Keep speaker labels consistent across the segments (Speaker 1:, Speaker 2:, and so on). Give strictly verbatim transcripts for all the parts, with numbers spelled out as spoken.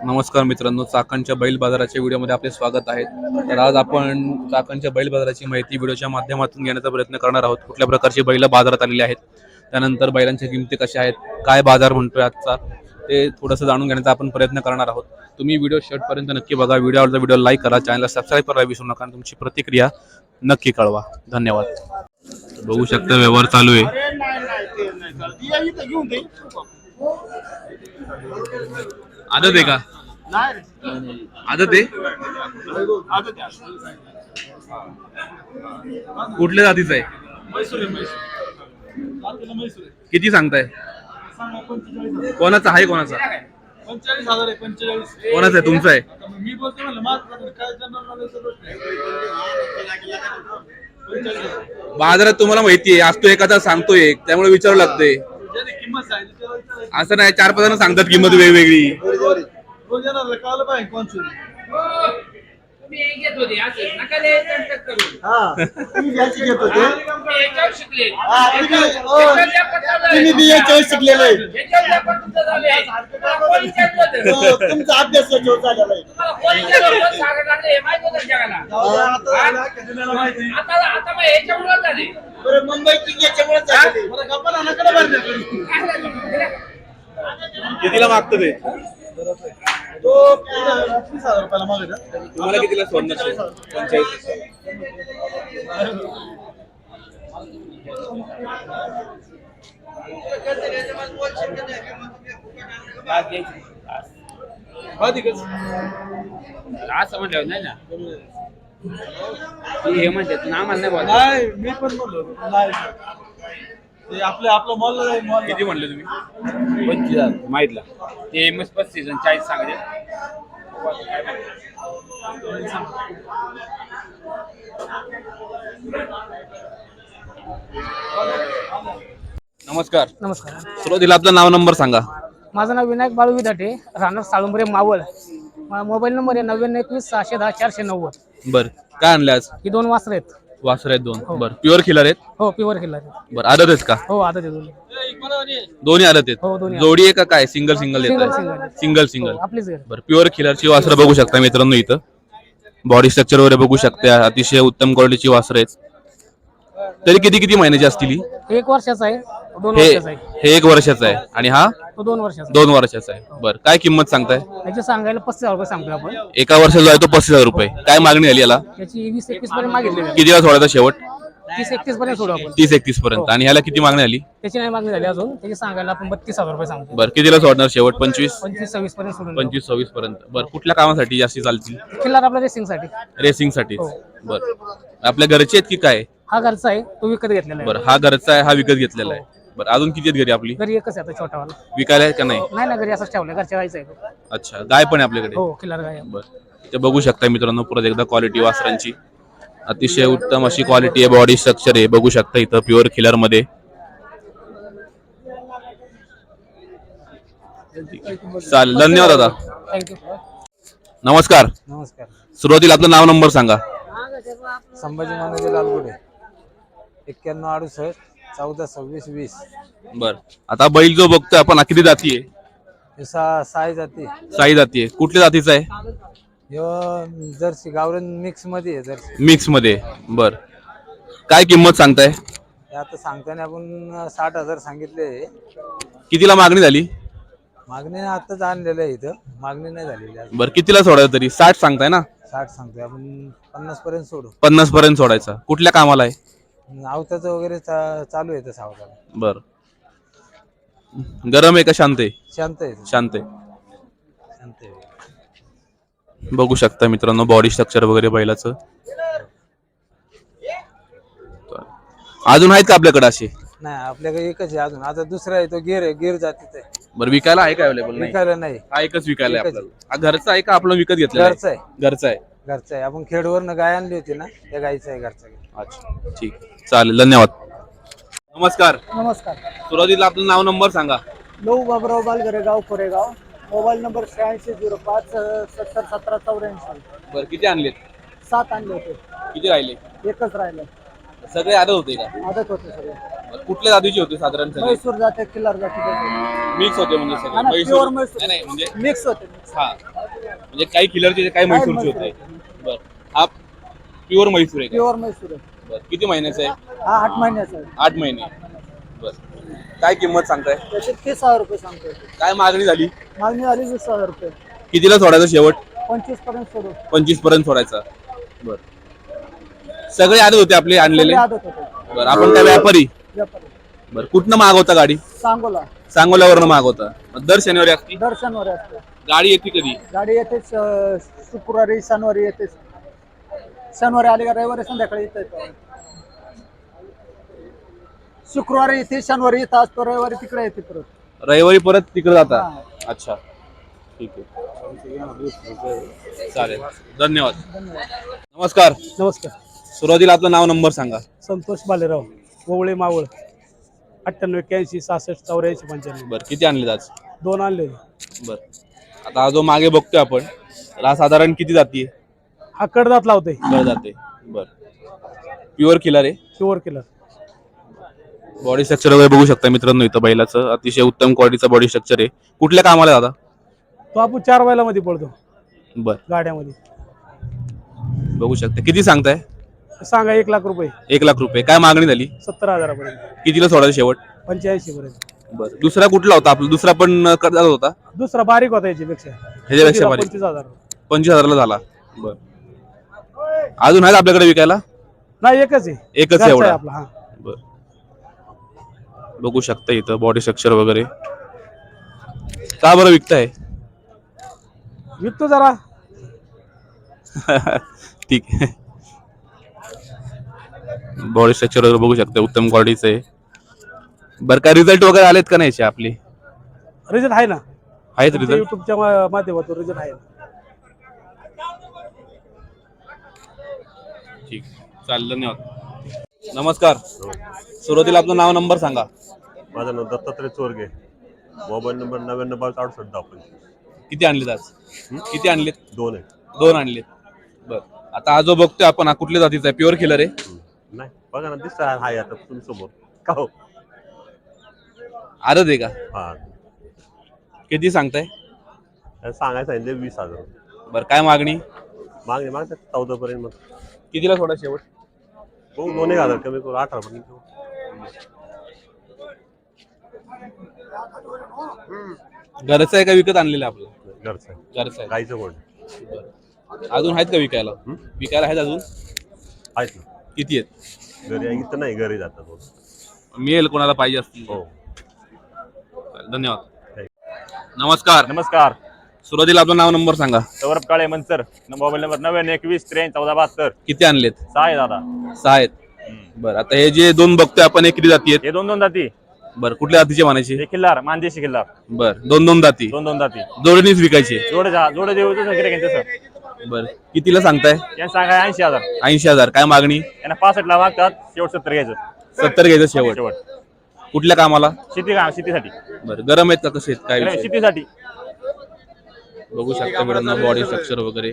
Speaker 1: नमस्कार मित्रांनो, चाकणच्या बैल बाजाराच्या व्हिडिओमध्ये आपले स्वागत आहे। तर आज आपण चाकणच्या बैल बाजाराची माहिती व्हिडिओच्या माध्यमातून घेण्याचा प्रयत्न करणार आहोत। कुठल्या प्रकारची बैल बाजारात आलेली आहेत, त्यानंतर बैलांच्या किमती कशा आहेत, काय बाजार म्हणतोय आजचा, ते थोडंसं जाणून घेण्याचा आपण प्रयत्न करणार आहोत। तुम्ही व्हिडिओ शेवटपर्यंत नक्की बघा। व्हिडिओ आवडला व्हिडिओ लाईक करा, चॅनलला सबस्क्राईब करायला विसरू नका आणि तुमची प्रतिक्रिया नक्की कळवा। धन्यवाद। बघू शकता व्यवहार चालू आहे। आदत आहे का? आदत आहे? कुठल्या जातीचा आहे? किती सांगताय? कोणाचा आहे? कोणाचा
Speaker 2: पंचेचाळीस हजार आहे? पंचेचाळीस
Speaker 1: कोणाचा आहे? तुमचा आहे?
Speaker 2: मी बोलतो म्हणलं माझं काय जनरल
Speaker 1: बाजारात तुम्हाला माहिती आहे, आज तो एखादा सांगतोय एक, त्यामुळे विचारावं लागतंय।
Speaker 2: किंमत सांगितली
Speaker 1: असं नाही, चार पाच जण सांगतात किंमत वेगवेगळी।
Speaker 2: कळलं पाहिजे कोण
Speaker 3: तुम्ही एक घेत होते असं नका लय तंटक करू.
Speaker 2: हा तुम्ही घ्यायची घेत होते
Speaker 3: तुम्ही याच्यावर शिकले.
Speaker 2: हा, तुम्ही- ओ,
Speaker 3: याच्यावर या पट्ट्यावर
Speaker 2: तुम्ही बी याच्यावर शिकलेले आहे.
Speaker 3: याच्यावर या पट्ट्याचं झालंय. तुम्हाला कोण विचारलं होतं?
Speaker 2: हो, तुमचा अभ्यास याच्यावर झालेला आहे.
Speaker 3: तुम्हाला कोण विचारलं होतं? सांगायला लागले, हे माहित होतं जगाला.
Speaker 2: जाऊ द्या, आता झालं, खेळण्याला माहिती.
Speaker 3: आता आता मग याच्यामुळं झाले.
Speaker 2: बरं, मुंबई किंग याच्यामुळे झालेली. बरं, गप्पा ना, नका ना भरण्याकडे.
Speaker 1: कितीला मागतं ते?
Speaker 2: तो तीस हजार रुपयाला मागत आहे.
Speaker 1: तुम्हाला कितीला सोडणार? पंचेचाळीस।
Speaker 2: अधिकच.
Speaker 3: असं म्हटलं नाही ना. ते हे म्हणतात ना, आम्हाला नाही बोलत.
Speaker 2: नाही, मी पण बोललो नाही. ते आपलं आपलं मॉल आहे, मॉल.
Speaker 1: किती म्हणले तुम्ही?
Speaker 3: पंचवीस हजार माहितला. ते मस्त पस्तीस आणि चाळीस सांगते.
Speaker 1: नमस्कार।
Speaker 4: नमस्कार,
Speaker 1: सुरुवातीला आपलं नाव नंबर सांगा।
Speaker 4: माझं नाव विनायक बाळू विधाटे, राहणार साळुंबरे मावळ. माझा मोबाईल नंबर आहे नव्याण्णव एकवीस सहाशे दहा चारशे नव्वद.
Speaker 1: बर, काय आणले आज?
Speaker 4: ही दोन वासर आहेत.
Speaker 1: वासर आहेत दोन। बर, प्युअर खिलर आहेत?
Speaker 4: हो, प्युअर किल्ला.
Speaker 1: बर, आदत आहेत का?
Speaker 4: हो, आता ते दोन.
Speaker 1: दोन्ही आदत आहेत?
Speaker 4: हो, दोन्ही
Speaker 1: जोडी आहे का काय? सिंगल सिंगल
Speaker 4: सिंगल
Speaker 1: येतात?
Speaker 4: Single
Speaker 1: single single.
Speaker 4: हो, आपलीच घर.
Speaker 1: बर, प्युअर खिलरची वासरं बघू शकता मित्रांनो। इथं बॉडी स्ट्रक्चर वगैरे बघू शकता, अतिशय उत्तम क्वालिटीची वासरं आहेत। तरी किती किती महिन्याची असतील ही?
Speaker 4: एक वर्षाचा आहे, दोन
Speaker 1: हे
Speaker 4: वर्षाचा आहे.
Speaker 1: हे एक वर्षाचा आहे आणि हा
Speaker 4: तो दोन वर्षाचा
Speaker 1: दोन वर्षाचा आहे। बर, काय किंमत सांगताय?
Speaker 4: आहे. याची सांगायला पस्तीस हजार रुपये सांगतो आपण.
Speaker 1: एका वर्षाचा आहे तो पस्तीस हजार रुपये। काय मागणी आली याला?
Speaker 4: याची वीस एकवीस पर्यंत मागितली आहे.
Speaker 1: कितीला सोडायचा शेवट?
Speaker 4: तीस एकतीस पर्यंत सोडू आपण.
Speaker 1: तीस एकतीस पर्यंत। आणि ह्याला किती मागणी आली?
Speaker 4: त्याची नाही मागणी झाली अजून. त्याची सांगायला आपण बत्तीस हजार रुपये सांगतो.
Speaker 1: बर, कितीला सोडणार शेवट? पंचवीस
Speaker 4: पंचवीस सव्वीस पर्यंत सोडून
Speaker 1: पंचवीस सव्वीस पर्यंत। बर, कुठल्या कामासाठी जास्ती चालतील?
Speaker 4: किल्ला आपल्या रेसिंग साठी.
Speaker 1: रेसिंग साठी?
Speaker 4: हो.
Speaker 1: बर, आपल्या घरचे आहेत की काय?
Speaker 4: हा घरचा आहे, तो विकत घेतलेला आहे.
Speaker 1: बरं, हा घरचा आहे, हा विकत घेतलेला आहे। बरं, अजून किती आहेत घरी आपली?
Speaker 4: घरी एकच आहे आता छोटावाला.
Speaker 1: विकायला आहे का नाही?
Speaker 4: नाही ना, घरी असंच ठेवलं, घरच्या गायचं आहे तो.
Speaker 1: अच्छा, गाय पण आहे आपल्याकडे?
Speaker 4: हो, किल्लार गाय आहे.
Speaker 1: बरं, ते बघू शकता मित्रांनो परत एकदा क्वालिटी वासरांची। अतिशय उत्तम अशी क्वालिटी आहे, बॉडी स्ट्रक्चर आहे, बघू शकता इथं प्युअर खिलर मध्ये। चालेल, धन्यवाद दादा।
Speaker 4: थँक्यू.
Speaker 1: नमस्कार।
Speaker 5: नमस्कार.
Speaker 1: सुरुवातीला आपलं नाव नंबर सांगा।
Speaker 5: संभाजी मानोजी लालगुडे, एक्क्याण्णव अडुसष्ट चौदा सव्वीस वीस.
Speaker 1: बर, आता बैल जो बघतोय आपण, हा किती जाती आहे?
Speaker 5: हे सा साई जाती.
Speaker 1: साई जाती आहे। कुठल्या जातीचा आहे?
Speaker 5: ह्यो जर्सी गावरान मिक्स मध्ये आहे. जर्सी
Speaker 1: मिक्स मध्ये। बर, काय किंमत सांगताय?
Speaker 5: हे आता सांगताना आपण साठ हजार सांगितले.
Speaker 1: कितीला मागणी झाली?
Speaker 5: मागणी आताच आणलेलं आहे, इथं मागणी नाही झालेली अजून.
Speaker 1: बर, कितीला सोडायचं तरी? साठ सांगताय ना?
Speaker 5: साठ सांगतोय आपण, पन्नास पर्यंत सोडू.
Speaker 1: पन्नास पर्यंत सोडायचा। कुठल्या कामाला आहे?
Speaker 5: आवताचं वगैरे चा, चालू आहे तसं आवताला.
Speaker 1: बर, गरम आहे का शांत आहे?
Speaker 5: शांत आहे.
Speaker 1: शांत आहे।
Speaker 5: शांत आहे.
Speaker 1: बघू शकता मित्रांनो बॉडी स्ट्रक्चर वगैरे बैलाचं। अजून आहेत का आपल्याकडे असे?
Speaker 5: नाही, आपल्याकडे एकच आहे अजून. आता दुसरा आहे तो गिर आहे, गिर जातीचा आहे.
Speaker 1: बरं, विकायला आहे का अवेलेबल?
Speaker 5: विकायला नाही,
Speaker 1: हा एकच विकायला आहे
Speaker 5: एकच
Speaker 1: आपल्याला। हा घरचा आहे का आपलं विकत घेतलेला?
Speaker 5: घरचा आहे.
Speaker 1: घरचा आहे।
Speaker 5: घरचा आहे. आपण खेडवरनं गाय आणली होती ना, त्या गायचा आहे घरचा.
Speaker 1: अच्छा, ठीक, चालेल, धन्यवाद। नमस्कार।
Speaker 4: नमस्कार.
Speaker 1: सुरुवातीला आपलं नाव नंबर सांगा।
Speaker 4: लऊ बाबराव बालगरे, गाव कोरेगाव. मोबाईल नंबर शहाऐंशी झिरो पाच सत्तर सतरा चौऱ्याऐंशी.
Speaker 1: बरं, किती आणलेत?
Speaker 4: सात आणले होते,
Speaker 1: किती राहिले?
Speaker 4: एकच राहिले.
Speaker 1: सगळे आदत होते का?
Speaker 4: आदत होते सगळे.
Speaker 1: बरं, कुठल्या जातीचे होते साधारण? सगळे
Speaker 4: म्हैसूर जाते, किल्लार जाते,
Speaker 1: मिक्स होते म्हणजे
Speaker 4: हा
Speaker 1: सगळे?
Speaker 4: ना,
Speaker 1: म्हैसूर-
Speaker 4: pure म्हैसूर.
Speaker 1: नाही नाही, म्हणजे
Speaker 4: मिक्स होते.
Speaker 1: हा, म्हणजे काही खिलरचे काही म्हैसूरचे होते. बर हा प्युअर म्हैसूर आहे का?
Speaker 5: प्युअर म्हैसूर आहे.
Speaker 1: बर किती महिन्याचा आहे?
Speaker 5: हा आठ महिन्याचा आहे.
Speaker 1: आठ महिने. बर काय किंमत सांगताय?
Speaker 5: त्याचे तीस हजार रुपये सांगतोय.
Speaker 1: काय मागणी झाली?
Speaker 5: मागणी झाली वीस हजार रुपये.
Speaker 1: कितीला सोडायचा शेवट?
Speaker 5: पंचवीस पर्यंत सोडू.
Speaker 1: पंचवीस पर्यंत सोडायचा. बर सगळे आदत होते आपले आणलेले?
Speaker 5: आदत होते.
Speaker 1: बर आपण काय व्यापारी?
Speaker 5: व्यापारी.
Speaker 1: बर कुठनं मागवता गाडी?
Speaker 5: सांगोला.
Speaker 1: सांगोल्यावरनं मागवता. दर शनिवारी असते
Speaker 5: दर्शनवर असते.
Speaker 1: गाडी. येते कधी?
Speaker 5: गाडी येते शुक्रवारी शनिवारी येते. शनिवारी आली का रविवारी संध्याकाळी येते. शुक्रवारी येते शनिवारी येत असतो रविवारी तिकडे येते परत.
Speaker 1: रविवारी परत तिकडे जाता? अच्छा ठीक आहे चालेल धन्यवाद. नमस्कार.
Speaker 4: नमस्कार.
Speaker 1: सुरुवातीला आपलं नाव नंबर सांगा.
Speaker 4: संतोष बालेराव ओवळे मावळ अठ्ठ्याण्णव एक्क्याऐंशी सहासष्ट चौऱ्याऐंशी पंच्याण्णव.
Speaker 1: बर किती आणले आज?
Speaker 4: दोन आणले.
Speaker 1: बर आता हा जो मागे बघतोय आपण हा साधारण किती जाती?
Speaker 4: हा कडदात लावते.
Speaker 1: बर जाते. बर प्युअर किलर आहे.
Speaker 4: Pure killer.
Speaker 1: बॉडी स्ट्रक्चर वगैरे बघू शकता मित्रांनो इथं बैलाचं अतिशय उत्तम क्वालिटीचा बॉडी स्ट्रक्चर आहे. कुठल्या कामाला दादा?
Speaker 4: तो आपण चार बैलामध्ये पडतो
Speaker 1: बर
Speaker 4: गाड्यामध्ये.
Speaker 1: बघू शकता. किती सांगताय?
Speaker 4: सांगा एक लाख रुपये.
Speaker 1: एक लाख रुपये. काय मागणी झाली?
Speaker 4: सत्तर हजारापर्यंत.
Speaker 1: कितीला सोडायचं शेवट?
Speaker 4: पंच्याऐंशी पर्यंत.
Speaker 1: बर दुसरा कुठला होता आपला? दुसरा पण करत होता?
Speaker 4: दुसरा बारीक होता याच्यापेक्षा.
Speaker 1: ह्याच्यापेक्षा बारीक.
Speaker 4: पंचवीस हजार.
Speaker 1: पंचवीस हजारला झाला. बर अजून आहेत आपल्याकडे विकायला?
Speaker 4: नाही एकच आहे.
Speaker 1: एकच आहे
Speaker 4: घरचा
Speaker 1: एवढा?
Speaker 4: आहे आपला. हा
Speaker 1: बर बघू शकता इथं बॉडी स्ट्रक्चर वगैरे. का बरं विकताय?
Speaker 4: विकतो जरा.
Speaker 1: ठीक आहे. बॉडी स्ट्रक्चर वगैरे बघू शकता उत्तम क्वालिटीचं आहे. बरं काय रिझल्ट वगैरे आलेत का नाही आपले?
Speaker 4: रिझल्ट आहे ना.
Speaker 1: आहेत रिझल्ट?
Speaker 4: युट्यूबच्या माध्यमातून रिझल्ट आहे.
Speaker 1: ठीक चालेल धन्यवाद. नमस्कार. सुरुवातीला आपलं नाव नंबर सांगा.
Speaker 6: माझं नाव दत्तात्रय चोरगे. मोबाईल नंबर नव्याण्णव बावीस अडुसष्ट दहा पंचवीस.
Speaker 1: किती आणलेत आज? किती आणलेत?
Speaker 6: दोन आहे.
Speaker 1: दोन आणलेत. बर आता हा जो बघतोय आपण हा कुठल्या जातीचा आहे? प्युअर किलर आहे?
Speaker 6: नाही बघा ना दिसत आहे आता तुम्ही समोर का हो.
Speaker 1: आदत आहे का?
Speaker 6: हा
Speaker 1: किती सांगताय?
Speaker 6: सांगायचं आहे वीस हजार.
Speaker 1: बर काय मागणी?
Speaker 6: मागणी मागतात चौदा पर्यंत. मग
Speaker 1: कितीला सोडा शेवट?
Speaker 6: हो दोन एक हजार कमी करू अठरा पर्यंत.
Speaker 1: घरचं आहे का विकत आणलेलं आपलं?
Speaker 6: घरचं आहे.
Speaker 1: घरचं आहे.
Speaker 6: गाईचं कोण
Speaker 1: अजून आहेत का विकायला? विकायला आहेत अजून?
Speaker 6: आहेत ना.
Speaker 1: किती आहेत?
Speaker 6: घरी इथं नाही घरी जातात.
Speaker 1: मिळेल कोणाला पाहिजे असतील?
Speaker 6: हो
Speaker 1: धन्यवाद. नमस्कार.
Speaker 7: नमस्कार.
Speaker 1: सुरुवातीला आपलं नाव नंबर सांगा.
Speaker 7: सौरभ काळे मनसर. मोबाईल नंबर नव्याण्णव एकवीस त्र्याऐंशी चौदा बहात्तर.
Speaker 1: किती आणलेत?
Speaker 7: सहा आहे दादा.
Speaker 1: सहा आहेत. बरं आता हे जे दोन बघतोय आपण हे किती जाती आहेत?
Speaker 7: हे दोन दोन दाती.
Speaker 1: बरं कुठल्या जातीचे म्हणायचे?
Speaker 7: हे किल्लार मानदेशी किल्लार.
Speaker 1: बरं दोन दोन दाती.
Speaker 7: दोन दोन दाती
Speaker 1: जोडणीच विकायचे?
Speaker 7: जोडे जोडे देऊ तसं.
Speaker 1: बरं कितीला सांगताय?
Speaker 7: यांना सांगा ऐंशी हजार.
Speaker 1: ऐंशी हजार. काय मागणी?
Speaker 7: यांना पासष्ट ला मागतात. शेवट सत्तर घ्यायचं.
Speaker 1: सत्तर घ्यायचं शेवट.
Speaker 7: शेवट
Speaker 1: कुठल्या कामाला?
Speaker 7: शेती काम शेतीसाठी.
Speaker 1: बरं गरम आहेत का कसे आहेत काय विषय?
Speaker 7: शेतीसाठी.
Speaker 1: बघू शकता मित्रांनो बॉडी स्ट्रक्चर वगैरे.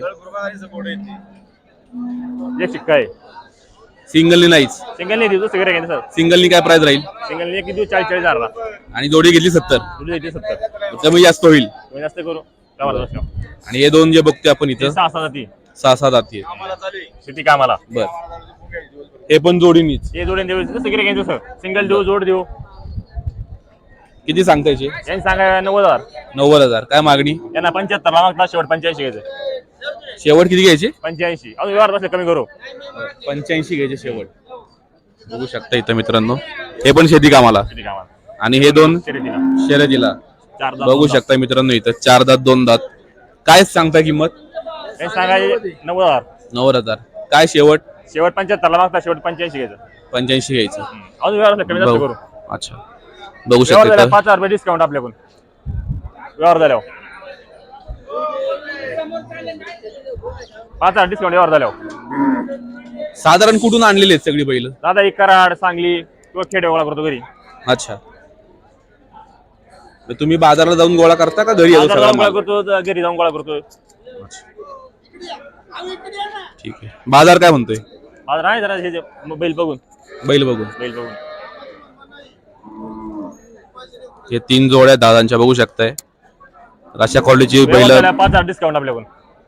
Speaker 7: एक शिक्का आहे.
Speaker 1: सिंगलनी नाहीच?
Speaker 7: सिंगल नाही देऊ सगळे घ्यायचं सर.
Speaker 1: सिंगलनी काय प्राइस राहील?
Speaker 7: सिंगल एक देऊ चाळीस चाळीस हजारला.
Speaker 1: आणि जोडी घेतली सत्तर?
Speaker 7: जोडी देते सत्तर.
Speaker 1: कमी जास्त होईल?
Speaker 7: कमी जास्त करू.
Speaker 1: आणि हे दोन जे बघतोय आपण इथं
Speaker 7: सहा सहा जाती.
Speaker 1: सहा सहा जाती आहेत.
Speaker 7: शेती कामाला.
Speaker 1: बर हे पण जोडीनीच?
Speaker 7: हे जोडून देऊ सगळे घ्यायचं सर. सिंगल देऊ जोड देऊ.
Speaker 1: किती सांगता याचे?
Speaker 7: यांनी सांगा नव्वद हजार.
Speaker 1: नव्वद हजार. काय मागणी?
Speaker 7: यांना पंच्याहत्तर ला मागतात. शेवट पंच्याऐंशी घ्यायचं.
Speaker 1: शेवट किती घ्यायचे?
Speaker 7: पंच्याऐंशी. अजून व्यवहार बसले कमी करू.
Speaker 1: पंच्याऐंशी घ्यायचे शेवट. बघू शकता इथं मित्रांनो हे पण शेती कामाला.
Speaker 7: शेती कामाला.
Speaker 1: आणि हे दोन
Speaker 7: शर्यतीला.
Speaker 1: शर्यतीला.
Speaker 7: चार दात,
Speaker 1: बघू
Speaker 7: दोन दात.
Speaker 1: शकता मित्रांनो इथं चार दात दोन दात. काय सांगता किंमत?
Speaker 7: यांनी सांगा नव्वद हजार.
Speaker 1: नव्वद हजार. काय शेवट?
Speaker 7: शेवट पंच्याहत्तर ला मागतात. शेवट पंच्याऐंशी घ्यायचं.
Speaker 1: पंच्याऐंशी घ्यायचं.
Speaker 7: अजून व्यवहार बसले कमी जास्त
Speaker 1: बघू.
Speaker 7: करू.
Speaker 1: अच्छा बघू
Speaker 7: व्यवहार
Speaker 1: शकता
Speaker 7: झाला
Speaker 1: इथं.
Speaker 7: पाच हजार रुपये डिस्काउंट आपल्याकडून. व्यवहार झाल्यावर पाच हजार डिस्काउंट व्यवहार झाल्यावर.
Speaker 1: साधारण कुठून आणलेले आहेत सगळी बैल?
Speaker 7: दादा एक कराड सांगली किंवा खेडे गोळा करतो घरी.
Speaker 1: अच्छा तर तुम्ही बाजारला जाऊन गोळा करता का घरी येतो
Speaker 7: बाजारात
Speaker 1: सगळा
Speaker 7: जाऊन गोळा
Speaker 1: माल?
Speaker 7: करतो घरी जाऊन गोळा करतो.
Speaker 1: ठीक आहे. बाजार काय म्हणतोय?
Speaker 7: आज नाही जरा हे जे बैल बघून
Speaker 1: बैल बघून.
Speaker 7: बैल बघून
Speaker 1: हे तीन जोड्या दादांच्या बघू शकताय. अशा क्वालिटीची
Speaker 7: व्यवहार
Speaker 1: बैल
Speaker 7: झाल्यावर पाच हजार डिस्काउंट आपल्याकडून.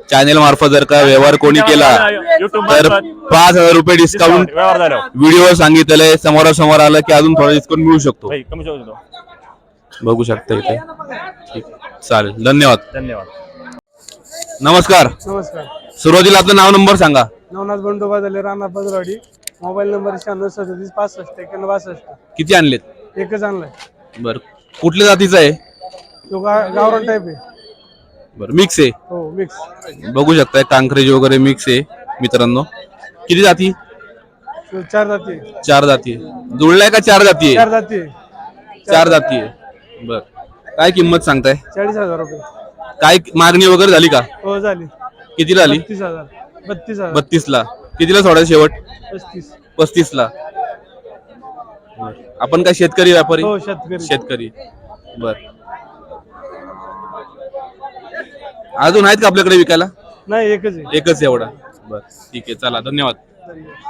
Speaker 1: चॅनेल मार्फत जर का व्यवहार कोणी केला
Speaker 7: युट्यूब
Speaker 1: तर
Speaker 7: मार्फत
Speaker 1: पाच हजार रुपये डिस्काउंट
Speaker 7: व्यवहार झाल्यावर
Speaker 1: व्हिडिओ सांगितलंय, समोरासमोर आलं की अजून थोडा डिस्काउंट मिळू शकतो.
Speaker 7: भाई कमी शकतो तो.
Speaker 1: बघू शकता इथे. ठीक, चालेल, धन्यवाद.
Speaker 7: धन्यवाद.
Speaker 1: नमस्कार.
Speaker 5: नमस्कार.
Speaker 1: सुरुवातीला आपलं नाव नंबर सांगा.
Speaker 5: नवनाथ बंडोबा झाले राणा बजवाडी. मोबाईल नंबर शहाण्णव सदतीस पासष्ट एक्याण्णव बासष्ट.
Speaker 1: किती आणलेत?
Speaker 5: एकच आणलाय.
Speaker 1: बर, कुठल्या जातीचा आहे?
Speaker 5: तो गा- गावरान टाईप आहे.
Speaker 1: बर, मिक्स आहे.
Speaker 5: हो मिक्स.
Speaker 1: बघू शकताय कांक्रेज वगैरे मिक्स आहे मित्रांनो. किती जाती?
Speaker 5: तो चार जाती आहे.
Speaker 1: चार जाती आहे. जुळलाय का चार जाती
Speaker 5: चार
Speaker 1: आहे?
Speaker 5: जाती आहे.
Speaker 1: चार जाती आहे. बर, काय किंमत सांगताय?
Speaker 5: चाळीस हजार रुपये.
Speaker 1: काय मागणी वगैरे झाली का?
Speaker 5: हो झाली.
Speaker 1: किती झाली?
Speaker 5: बत्तीस हजार. बत्तीस हजार.
Speaker 1: बत्तीस ला. कितीला सोडायचं शेवट?
Speaker 5: पस्तीस.
Speaker 1: पस्तीस ला. आपण काय शेतकरी व्यापारी?
Speaker 5: हो शेतकरी.
Speaker 1: शेतकरी. बर, अजून आहेत का आपल्याकडे विकायला?
Speaker 5: नाही एकच आहे.
Speaker 1: एकच एवढा. बर, ठीक आहे, चला, धन्यवाद.